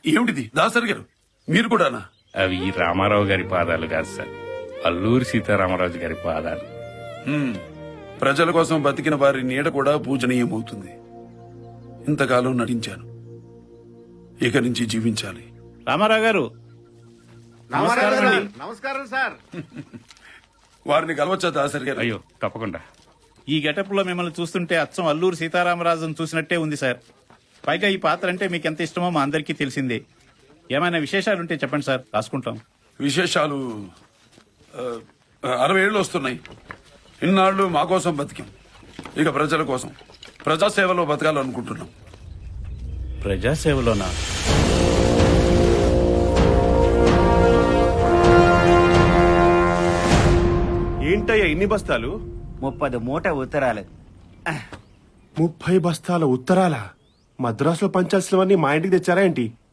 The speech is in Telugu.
ఏమిటిది దాసరి గారు, మీరు కూడానా? అవి రామారావు గారి పాదాలు కాదు సార్, అల్లూరి సీతారామరాజు గారి పాదాలు. ప్రజల కోసం బతికిన వారి నీడ కూడా పూజనీయమవుతుంది. ఇంతకాలం నటించాను, ఇక నుంచి జీవించాలి. రామారావు గారు నమస్కారం సార్. వారిని కలవచ్చా దాసరి గారు? అయ్యో తప్పకుండా. ఈ గెటప్ లో మిమ్మల్ని చూస్తుంటే అచ్చం అల్లూరి సీతారామరాజును చూసినట్టే ఉంది సార్. పైగా ఈ పాత్ర అంటే మీకు ఎంత ఇష్టమో మా అందరికీ తెలిసిందే. ఏమైనా విశేషాలుంటే చెప్పండి సార్, రాసుకుంటాం. విశేషాలు 60 ఏళ్ళు వస్తున్నాయి. ఇన్నాళ్ళు మా కోసం బతికాం, ఇక ప్రజల కోసం ప్రజాసేవలో బతకాలనుకుంటున్నాం. ప్రజాసేవలోనా? ఏంటయ్యా ఇన్ని బస్తాలు? 30 మూట ఉత్తరాలు. 30 బస్తాల ఉత్తరాల? మద్రాసులో పంచాల్సినవన్నీ మా ఇంటికి తెచ్చారా ఏంటి?